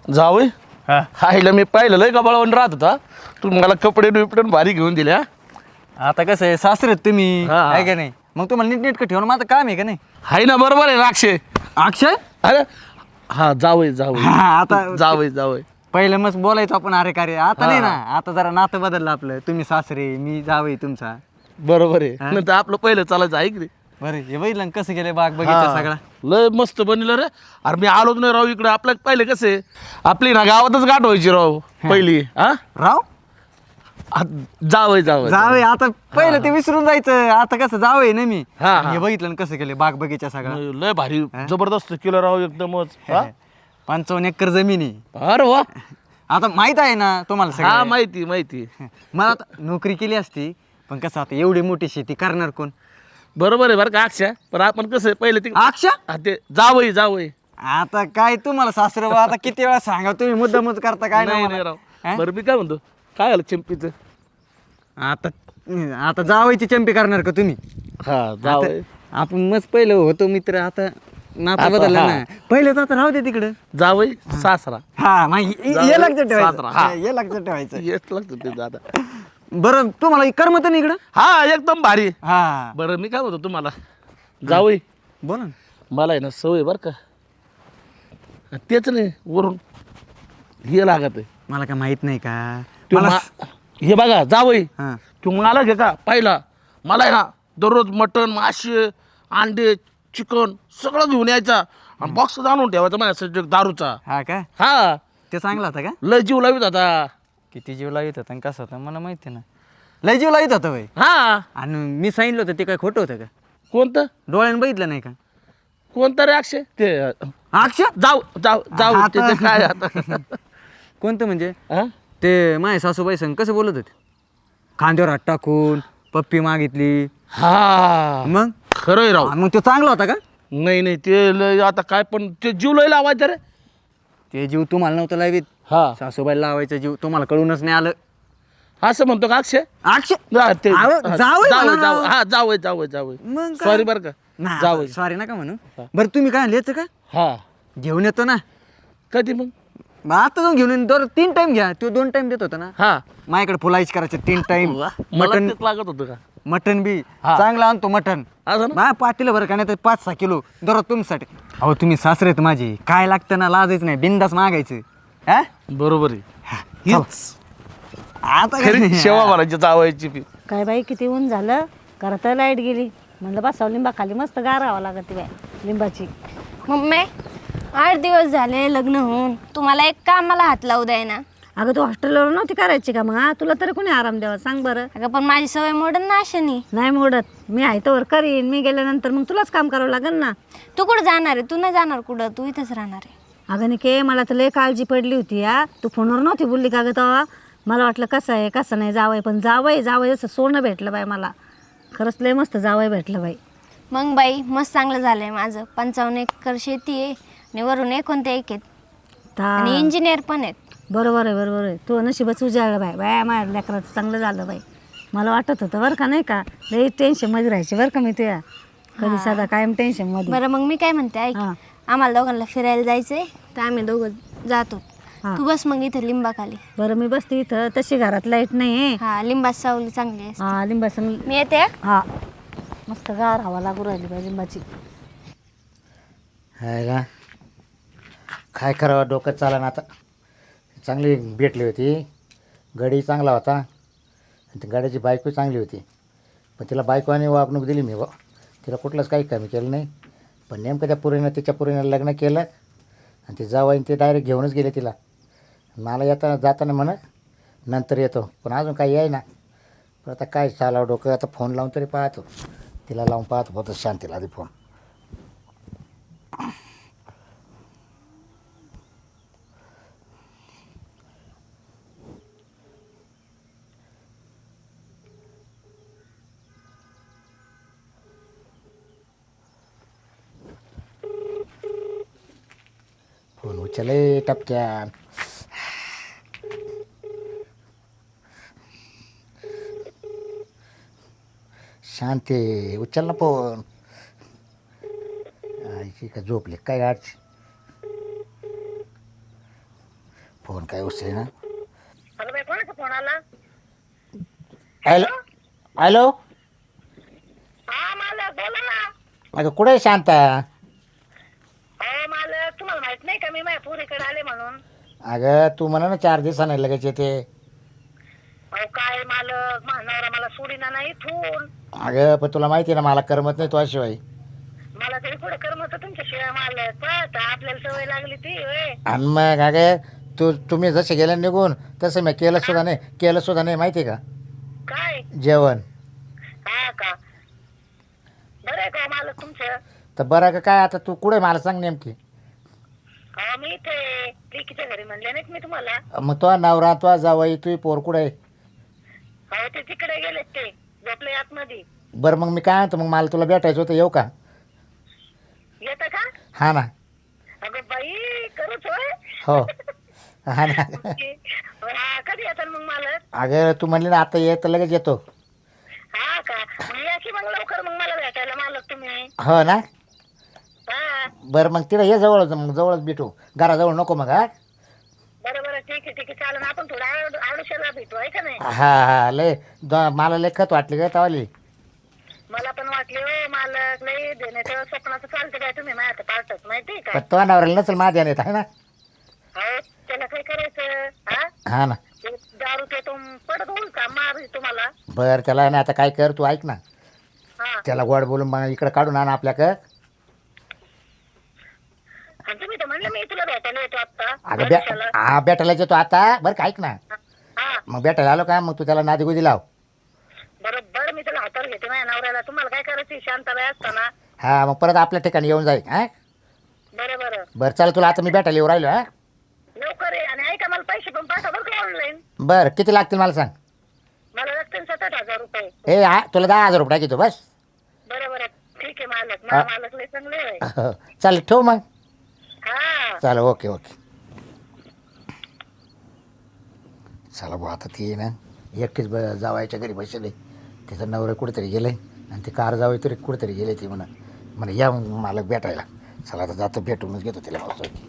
जावय हा हायला मी पाहिलं लय कपाळावर राहत होता. तू मला कपडे बिपडे भारी घेऊन दिले. आता कसं आहे सासरेत तुम्ही हा. आहे का नाही मग तुम्हाला नीटनेटकं ठेवणं माझं काम आहे का नाही हाय ना बरोबर आहे राक्षे. अक्षय अरे हा जावय जावय हा, आता जावय जावय पहिलं मस्त बोलायचो आपण अरे कार्य आता हा. नाही ना आता जरा नातं बदललं आपलं तुम्ही सासरे मी जावई तुमचा बरोबर आहे. हा? नाही तर आपलं पहिलं चालायचं ऐक रे. बरं हे बघितलं ना कसं गेलं बाग बगीचा हा. सगळा लय मस्त बनलं रे. अरे मी आलोच नाही राव इकडे. आपल्या पहिले कसे आपली ना गावातच गाठ व्हायची राव पहिली. हा राव जावय जावय जावई आता पहिलं ते विसरून जायचं आता कसं जावई ना मी हा, आणि हा. हे बघितलं ना कसं केलं बाग बगीचा सगळा लय भारी जबरदस्त केलं राव एकदमच. हा? 55 एकर जमीन आहे अरे वा. आता माहित आहे ना तुम्हाला हा सगळं माहिती माहिती. मला आता नोकरी केली असती पण कसं आता एवढी मोठी शेती करणार कोण बरोबर आहे बरं का अक्षा. पण आपण कसं आहे पहिले ते अक्षा हा, ते जावय जावय आता काय तुम्हाला सासरे बा आता किती वेळा सांगा तुम्ही मुद्दामच करता काय नाही नाही नाही मला. राव. हा? बरं मी काय म्हणतो काय झालं चिंपीचं. आता आता जावायची चंपी करणार का तुम्ही हा जावय आता आपण मस्त पहिलं होतो मित्र आता नातं आता बदललं हा. ना पहिले तर आता राहू दे तिकडं जावय सासरा हा मग जावई, हे लक्षात सासरा, ठेवायचं हा. हे लक्षात ठेवायचं येत लागतं ते दादा. बरं तुम्हाला करमत ना इकडं हा एकदम भारी. हा बरं मी काय म्हणतो तुम्हाला जावय बोला ना. मला आहे ना सवय बरं का. तेच नाही वरून हे लागत आहे. मला काय माहित नाही का तू मला हे बघा जावई हा तू मला घे का पाहिला मला आहे ना दररोज मटण मासे अंडे चिकन सगळं घेऊन यायचा आणि बॉक्स आणून ठेवायचा माझ्यासाठी दारूचा. हा का हा ते चांगला होता का लय जीव लावित होता. किती जीव लावित होता आणि कसं होता मला माहिती ना लय जीव लावित होता भाई हा आणि मी सांगितलं होतं ते काय खोटं होतं का कोणतं डोळ्यानं बघितलं नाही का कोणतं रे अक्षय ते अक्षय जाऊ जाऊ जाऊ आता- ते काय आता कोणतं म्हणजे हा? ते माझ्या सासूबाई संग कसं बोलत होते खांद्यावर हात टाकून पप्पी मागितली हा मग खरंय राव. मग तो चांगला होता का नाही नाही ते लय आता काय पण ते जीव लय लावायचं रे. ते जीव तुम्हाला नव्हतं लावीत हा सासूबाईला लावायचा जीव तुम्हाला कळूनच नाही आलं असं म्हणतो का अक्षय. अक्षय हा, ते अहो, हा, जावई जावई म्हणा जावई. राव. हा जावई जावई जावई मग काय? सॉरी बरं का जावई. सॉरी नका म्हणू बरं तुम्ही काय लिहायचं का हा घेऊन येतो ना कधी मग मग आता जाऊन घेऊन येईन. दर 3 टाइम घ्या तो 2 टाइम देत होता ना हा माझ्याकडे फुलाईच करायचे 3 टाइम मला मटन तेच लागत होतं का मटन बी हा. चांगला आणतो मटन असं ना. मा पातीला बरं का नाही तर 5-6 किलो दररोज तुमच्यासाठी अहो तुम्ही सासरे आहेत माझे काय लागतं ना लाजायचं नाही बिंदास मागायचं हा बरोबर आहे. हीच आता खरी सेवा भरायची जावायची बी. काय बाई किती ऊन झालं घरात लाईट गेली म्हणलं बसावं लिंबा खाली मस्त गारावं लागत बाय लिंबाची. मम्मी 8 दिवस झाले लग्न होऊन तुम्हाला एक कामाला हात लावू द्याय ना. अगं तू हॉस्टेलवर नव्हती करायची का मग तुला तरी कोणी आराम द्यावा सांग बरं. अगं पण माझी सवय मोडन ना अशानी. नाही मोडत मी आहे तर करीन मी गेल्यानंतर मग तुलाच काम करावं लागेल ना. तू कुठं जाणार आहे तू नाही जाणार कुठं तू इथंच राहणार आहे. अगं निके मला तर लय काळजी पडली होती या तू फोनवर नव्हती बोलली का गं तेव्हा मला वाटलं कसं आहे कसं नाही जावंय पण जावंय जसं सोनं भेटलं बाई मला खरंच लय मस्त जावंय भेटलं बाई. मग बाई मस्त चांगलं झालंय माझं 55 एकर शेती आहे आणि वरून 1 आहेत आणि इंजिनियर पण आहेत. बरोबर आहे तू नशीबच उजाळलं बाई बाय माझ्या लेकराचं चांगलं झालं बाई. मला वाटत होतं बरं का नाही का लई टेन्शनमध्ये राहायची बरं का मी तुया कधी साधा कायम टेन्शनमध्ये. बरं मग मी काय म्हणते ऐक हां. आम्हाला दोघांना फिरायला जायचंय तर आम्ही दोघं जातो. हां. तू बस मग इथे लिंबाखाली. बरं मी बसते इथं तशी घरात लाईट नाही आहे. हा लिंबाची सावली चांगली आहे. हा लिंबाचं मी येते हा. हा मस्त गार हवा लागू राहिली बाई लिंबाची. आहे का काय करावं डोकं चाला ना आता. चांगली भेटली होती गाडी चांगला होता आणि ती गाड्याची बायको चांगली होती पण तिला बायकोने वागणूक दिली मी तिला कुठलंच काही कमी केलं नाही पण नेमकं त्या पुरीनं तिच्या पुरीनं लग्न केलं आणि ते जावं ते डायरेक्ट घेऊनच गेले तिला. मला येताना जाताना म्हणत नंतर येतो पण अजून काही आहे ना पण आता काय चालावं डोकं आता फोन लावून तरी पाहतो तिला लावून पाहतो फक्त शांतीला आधी फोन. फोन उचले टपक्यान. शांती उचल ना फोन. आईची का झोपले काय गाडची फोन काय उचले ना. हॅलो बाई, कोणाचा फोन आला? Hello hello. हा मालक, बोला ना. अगं कुठे आहे शांता? अहो मालक, तुम्हाला माहित नाही का मी माझ्या पुरीकडे आले म्हणून? अगं तू म्हणा ना 4 दिवसांनी लगेच येते. अहो काय मालक, महानवरा मला सोडीना नाही इथून. अगं पण तुला माहिती आहे ना मला करमत नाही तुझ्याशिवाय. मला तरी पुढे करमत तुमच्या शिवाय मालक. पाहता आपल्याला सवय लागली ती होय. आणि मग अगं तुम्ही जसे गेले निघून तसं मी केलं सुद्धा नाही माहिती आहे का काय? जेवण. हा का? बरं आहे का मालक तुमचं? तर बरं का काय आता तू कुठे मला सांग नेमकी. अहो मी इथे लेकीच्या घरी म्हणले नाहीत मी तुम्हाला. मग तो नवरा तो जावई तुझी पोर कुठे आहे? अहो ते तिकडे गेलेत, ते झोपले आतमध्ये. बरं मग मी काय म्हणतो मग मला तुला भेटायचं होतं येऊ का? येतं का? हा ना. अगं बाई, करूच होय. हो हा ना. हा, कधी येतात मग मालक? अगं तू म्हणली ना आता ये तर लगेच येतो. हा का? मग या की मग लवकर मग मला भेटायला मालक तुम्ही. हो ना. हा, बरं मग तिला ये जवळच मग जवळच भेटू घराजवळ नको मग. हा बरं बरं, ठीक आहे चालेल. आपण थोडं आडुशाला भेटू आहे का नाही? हा लय मला लय खत वाटली काय तवाली. मला पण वाटले हो मालक, लई देण्याचं स्वप्नाचं चालतं काय तुम्ही माझ्या पाठच माहिती का? पण तो नवऱ्याला नसेल माझ्या येत आहे ना. हो, त्याला काय करायचं? हा, हा ना. ते दारू ते पडत होईल का मार तुम्हाला? बरं त्याला ना आता काय कर तू ऐक ना. हा, त्याला गोड बोलून मग इकडे काढून आण आपल्याकडं. आणि तुम्ही तर म्हणलं मी तुला भेटायला येतो आता अगं आडुशाला. हा भेटायला येतो आता. बरं का ऐक ना. हा, मग भेटायला आलो का मग तू त्याला नादी गुदी लाव. बरोबर मी त्याला हातावर घेते माझ्या नवऱ्याला. तुम्हाला काय करायची शांताबाई असताना? हा मग परत आपल्या ठिकाणी येऊन जाईल. हा बरं बरं, बरं चल तुला आता मी भेटायला येऊ राहिलो. हा लवकर ये. आणि ऐका, मला पैसे पण पाठवा बरं का ऑनलाईन. बरं किती लागतील मला सांग. मला लागतील 7,000 रुपये. ए हा तुला 10,000 रुपये टाकीतो बस. बरं बरं, ठीक आहे मालक. मला मालक लय चांगले आहे. हो चालेल ठेव मग. हा, चालेल ओके ओके. चला भाऊ आता ती ना एकटीच जावायच्या घरी बसले. तिचं नवरं कुठेतरी गेलं आणि ती कार जावं तरी कुठेतरी गेले. ती म्हणा या मला भेटायला. चला आता जातो भेटूनच घेतो तिला पावसाची.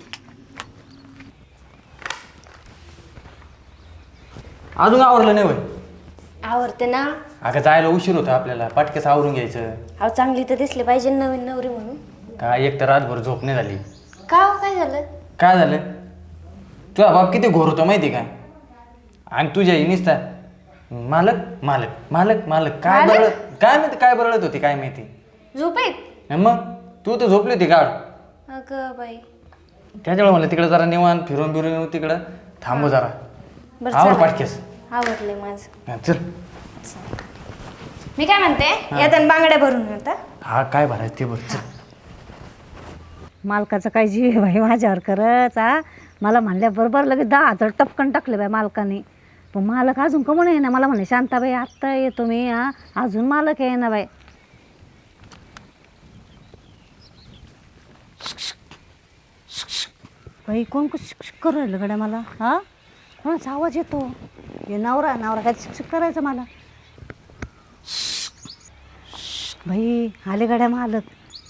अजून आवरलं नाही होय? आवडते ना. अगं जायला उशीर होता आपल्याला, पटकेच आवरून घ्यायचं. अहो चांगली तर दिसली पाहिजे नवीन नवरी म्हणून. काय एक तर रातभर झोप नाही झाली. का हो, काय झालं? काय झालं? तुझा बाप किती घोर होतो माहिती का? आणि तुझ्या निसता मालक मालक मालक मालक काय बरळत, काय माहिती काय बरळत होती काय माहिती. झोपेत? मग तू तर झोपली होती गाड. अगं बाई. त्याच्यामुळे मला तिकडे जरा निवांत फिरून बिरून येऊ तिकडं. थांबू जरा. बरं आवर चला. पाटकेस. आवडले माझं. हा, चल. मी काय म्हणते, येताना बांगड्या भरून येता. हा काय भरायचं ते बरं चल. मालकाचं काय जीव आहे बाई माझ्यावर खरंच. हा, मला म्हणल्या बरोबर लगेच 10,000 टपकन टाकले बाई मालकाने. पण मालक अजून कमून आहे ना. मला म्हणे शांताबाई आत्ता येतो मी. हा, अजून मालक आहे ना बाई. बाई कोण शिक्षक करू राहिलं गड्या मला? हा, कोणाचा आवाज येतो? हे नवरा नवरा काय शिक्षक करायचं मला? बाई आले गड्या मालक.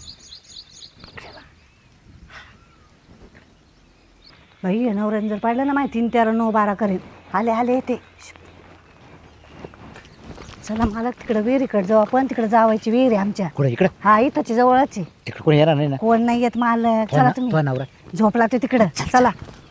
बाई हे नवऱ्याने जर पाहिलं ना माहिती 3, 13, 9, 12 करेन. आले आले येते. चला मालक तिकडं विहिरीकडे जाऊ आपण. तिकडे जावायची विहीर आहे आमच्या. कुठे इकडे? हा इथंची जवळच आहे. तिकडे कोणी येणार नाही ना? कोण नाही येत मालक. चला तो तुम्ही. नवरा झोपला ते तिकडं. चला.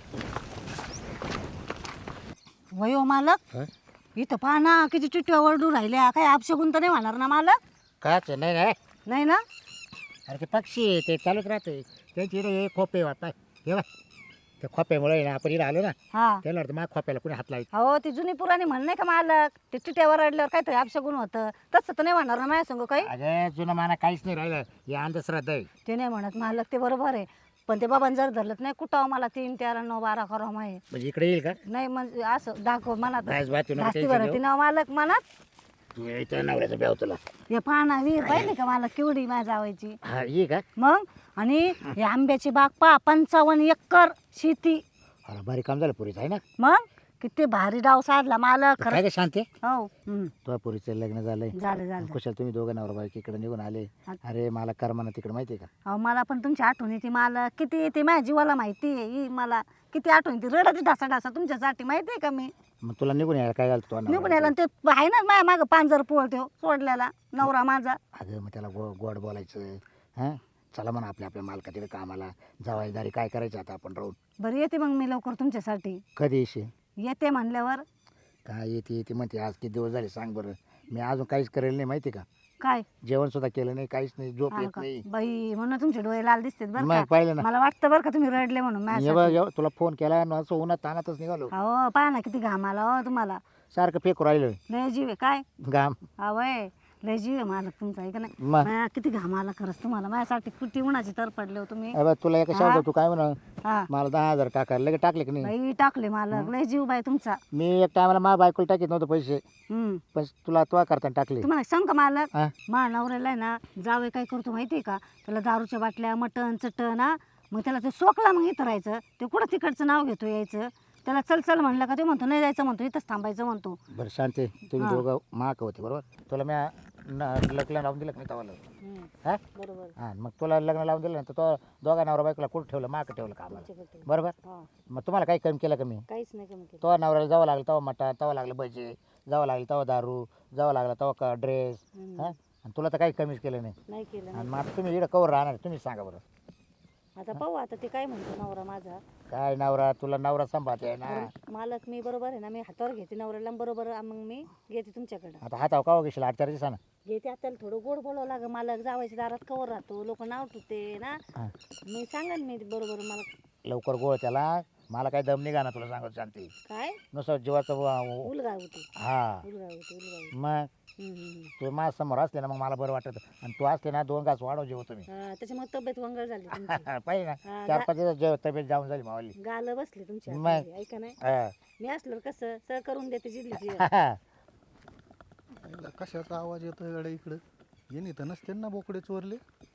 वयो मालक, इथं पहा ना किती चिठ्ठ्या ओरडू राहिल्या. काय अपशगुन तर नाही होणार ना मालक? काच नाही नाही. नाही ना? अरे ते पक्षी आहे, ते चालूच राहते त्यांची इकडे हे खोपे वाटतात. हे बघ ते खोप्यामुळे ना आपण इकडे आलो ना. हा, त्याला वाटतं माझ्या खोप्याला कोणी हात लावायचं. हो ती जुनी पुराणी म्हण नाही का मालक? ते चिठ्ठ्यावर रडल्यावर काहीतरी अपशगुन होतं. तसं तर नाही म्हणणार ना माझ्या संग काही? अगं जुनं माना काहीच नाही राहिलं. हे अंधश्रद्धा आहे. ते नाही म्हणत मालक, ते बरोबर आहे. पण ते बाबांनी जर धरलं नाही कुठं मला 3, 13, 9, 12 करा माहिती म्हणजे इकडे येईल का? नाही. म्हणजे असं दाखव मनात. बायस बाय तुला जास्ती बरं ती नाव मालक मनात. तू यायचं नवऱ्याचं ब्याव तुला. हे पाना विहीर पाहिजे का मला केवढी माझ्या जावायची? हा ये का? मग आणि हे आंब्याची बाग पहा 55 एकर शेती. अरे भारी काम झालं पुरीचं आहे ना. मग किती भारी डाव साधला मालक काय खरं. काय शांती? हो, तुझ्या पुरीचं लग्न झालंय. झालं झालं. कुशाल तुम्ही दोघं नवरा बायको इकडे निघून आले. अरे मला करमाना तिकडे माहिती आहे का? अहो मला पण तुमची आठवण येते मालक. किती येते माझ्या जीवाला माहिती आहे. ही मला किती आठवण ती रडती ढासा तुमच्यासाठी माहिती आहे का मी मग तुला निघून यायला काय घालतो निघून यायला आणि ते आहे ना माझ्या मागं पांजर पोळतो सोडलेला नवरा माझा. अगं मग त्याला गोड बोलायचं हां, चला म्हणा आपल्या मालका तिथे कामाला जबाबदारी काय करायचं आता आपण राहून. बरं येते मग मी लवकर तुमच्यासाठी. कधी येशील? येते म्हणल्यावर काय येते म्हणते आज किती दिवस झाले सांग बरं. मी अजून काहीच करेल नाही माहिती का, काय जेवण सुद्धा केलं नाही, काहीच नाही, झोप हा येत का? नाही. बाई म्हणून तुमचे डोळे लाल दिसतात बरं मग का. पाहिलं ना, मला वाटतं बरं का तुम्ही रडले म्हणून ये माझ्यासाठी. बघ तुला फोन केला आणि असं उन्हात तानातच निघालो. हो पहा ना किती घाम आला हो तुम्हाला. सारखं फेकू राहिलं लय जीव आहे काय घाम. आवय लय जीव आहे मालक तुमचा आहे का नाही. मग माया किती घाम आला खरंच तुम्हाला माझ्यासाठी किती उन्हाची तर पडले हो तुम्ही. अबे तुला एका शब्द तू काय म्हणा हा मला 10,000 टाकायला लगेच टाकले की नाही. बाई टाकले मालक लय जीव बाई तुमचा. मी एक टायमाला माझ्या बायकोला टाकीत नव्हतं पैसे, पण तुला तो करताना टाकले. तुम्हाला सांग का मालक हा? मा नवऱ्याला आहे ना जावे काय करतो माहितीये का, त्याला दारूच्या बाटल्या मटण चटण हा मग त्याला ते सोकला मग इथं राहायचं. ते कुठं तिकडचं नाव घेतो यायचं. त्याला चल चल म्हणलं का ते म्हणतो नाही जायचं म्हणतो इथंच थांबायचं म्हणतो. बरं शांती तुम्ही दोघं माक होते बरोबर. तुला मी लग्न लावून दिलं की नाही तवाला हा बरोबर हां, मग तुला लग्न लावून दिलं ना तर तो दोघा नवरा बायकोला कुठं ठेवलं, माक ठेवलं का आम्हाला बरोबर. मग तुम्हाला काही कमी केलं का मी? काहीच नाही कमी केलं. तो नवऱ्याला जावं लागलं तेव्हा मटण, तेव्हा लागलं भजे, जावं लागलं तेव्हा दारू, जावं लागलं तेव्हा ड्रेस हां, आणि तुला तर काही कमीच केलं नाही. नाही केलं आणि मग आता तुम्ही इकडं कवर राहणार तुम्ही सांगा बरं. आता पाहू आता ते काय म्हणतो नवरा माझा. काय नवरा तुला नवरा सांभाळते ना. मालक मी बरोबर आहे ना मी हातावर घेते नवऱ्याला बरोबर मग मी घेते तुमच्याकडे आता हातावर का घेशील 8-4 दिवसानं. घेते आता थोडं गोड बोलावं लागं मालक जावायच्या दारात कवर राहतो लोक नाव ठेवते ना. हां मी सांगा मी बरोबर मला लवकर गोळ त्याला. मला काही दम निघा ना तुला सांगत शांती. काय नुसतं जीवाचं उलगा होती हा उलगा होती. मग तू माझ्या समोर असले ना मग मला बरं वाटत. आणि तू असले ना 2 घास वाढव जेव तुम्ही त्याच्यामुळे तब्येत वंगळ झाली तुमची. पाहिजे ना हा, 4-5 दिवस जेव तब्येत जाऊन झाली मावली. गाल बसली तुमची मग. हातामध्ये, ऐका नाही हा. मी असल्यावर कसं सह करून देते जिल्ह्याची. कशाचा आवाज येतोय गाड्या इकडं? येणे तर नसते ना बोकडे चोरले.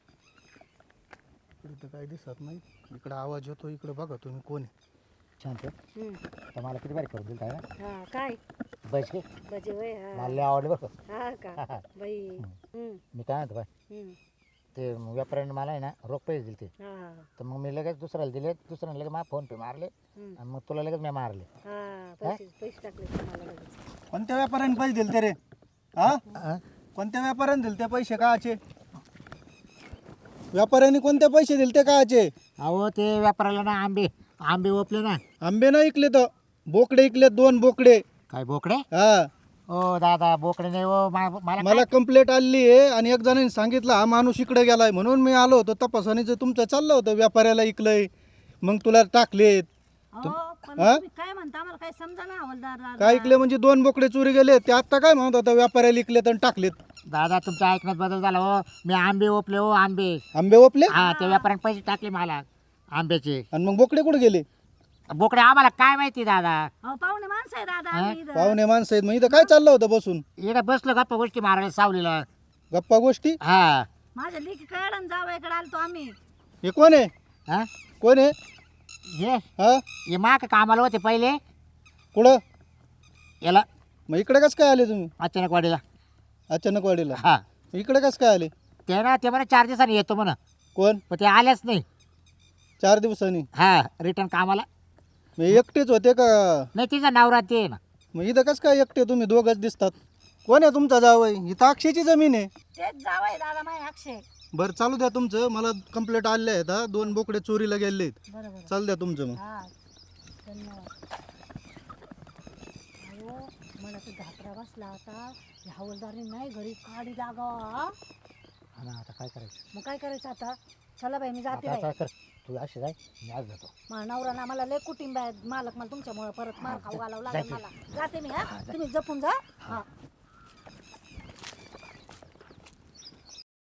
इकडे तर काही दिसत नाही. इकडं आवाज येतो इकडं बघा तुम्ही कोण आहे. शांत तर मला किती बारी करून दिल काय ना हा काय बस की बजे वय हा मला लय आवडलं बरं. हा का बाई. मी काय म्हणतो बाय ते व्यापाऱ्याने मला आहे ना रोख पैसे दिले ते. हा तर मग मी लगेच दुसऱ्याला दिले, दुसऱ्याने लगेच मला फोन पे मारले आणि मग तुला लगेच मी मारले. हा पैसे टाकले तुम्हाला लगेच. कोणत्या व्यापाऱ्याने पैसे दिले ते रे? हा कोणत्या व्यापाऱ्याने दिले ते पैसे काचे? व्यापाऱ्याने कोणते पैसे दिले ते काचे? अहो ते व्यापाऱ्याला ना आंबे ओपले ना. आंबे ना इकले तर बोकडे इकले 2 बोकडे. काय बोकडे? हा ओ दादा बोकडे नाही हो मला कंप्लेंट आली आहे आणि एक जणांनी सांगितलं हा माणूस इकडे गेलाय म्हणून मी आलो होतो तपासणीचं. तुमचं चाललं होतं व्यापाऱ्याला इकलंय मग तुला टाकलेत. पण तुम्ही काय म्हणता आम्हाला काय समजा ना हवालदार. काय इकले म्हणजे 2 बोकडे चोरी गेले. ते आता काय म्हणत होता व्यापाऱ्याला इकलेत आणि टाकलेत. दादा तुमच्या ऐकण्यात बदल झाला हो. मी आंबे ओपले हो आंबे. आंबे ओपले हा त्या व्यापाऱ्याने पैसे टाकले मला आंब्याचे. आणि मग बोकडे कुठे गेले? बोकडे आम्हाला काय माहिती दादा. पाहुणे माणसं आहे दादा आम्ही इथं. पाहुणे माणसं आहेत. मग इथं काय चाललं होतं बसून? इकडे बसलो गप्पा गोष्टी मारायला सावलीला. गप्पा गोष्टी? हा माझ्या लेकी कळण जावयाकडे आलतो आम्ही. हे कोण आहे? हा कोण आहे? हे हा हे माग कामाला होते पहिले कुठं? याला मग इकडे कसं काय आले तुम्ही अचानक वाडीला. अचानक वाडीला? हा इकडे कसं काय आले? ते ना ते म्हणा 4 दिवसांनी येतो म्हणा, कोण? पण ते आलेच नाही. 4 दिवसांनी? हा रिटर्न कामाला. मग एकटेच होते का? नाही तिचा नवरा ते ना. मग इथं कसं काय एकटे तुम्ही दोघंच दिसतात? कोण आहे तुमचा जावई? इथं अक्षयची जमीन आहे. तेच जावय दादा माझ्या अक्षय. बरं चालू द्या तुमचं. मला कंप्लेंट आले आहेत हा. 2 बोकडे चोरीला गेले आहेत. बरोबर चालू द्या तुमचं मग. हा धन्यवाद. अहो मला तर घाबरा बसला आता. हवालदारने नाही घरी काढी लागा. आता काय करायचं? मग काय करायचं आता? चला बाई मी जाते आता बाई. कर तू अशी जाय मी आज जातो. माझा नवरा ना मला लय कुटुंब आहे मालक मला तुमच्यामुळे परत मार खाऊ घालावं लागेल मला. जाते मी हा तुम्ही जपून जा. हा